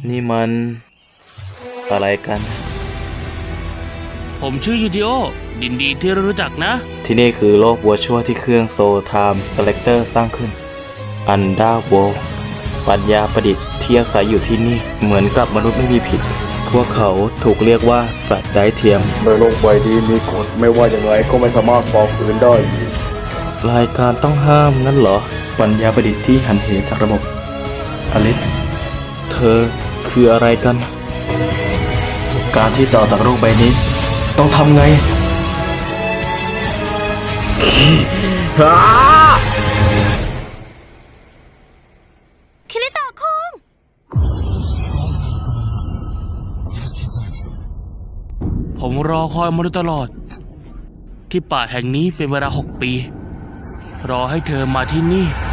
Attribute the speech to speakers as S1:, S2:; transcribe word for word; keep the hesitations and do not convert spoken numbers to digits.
S1: นี่มันอะไรกัน
S2: ผมชื่อยูดิโอดินดีที่รู้จักนะ
S1: ที่นี่คือโลกวัวชั่วที่เครื่องโซไทม์เซเลคเตอร์สร้างขึ้นอันดาโวปัญญาประดิษฐ์ที่อาศัยอยู่ที่นี่เหมือนกับมนุษย์ไม่มีผิดพวกเขาถูกเรียกว่าสัตว์ไร้เทียม
S3: ในโลกใบนี้มีกฎไม่ว่าอย่างไรก็ไม่สามารถฝ่าฝืนได้
S1: รายการต้องห้ามนั่นเหรอปัญญาประดิษฐ์ที่หันเหจากระบบอลิสเธอคืออะไรกันการที่จะออกจากโลกใบนี้ต้องทำไง
S4: คิริโตะคุง
S2: ผมรอคอยมาโดยตลอดที่ป่าแห่งนี้เป็นเวลาหกปีรอให้เธอมาที่นี่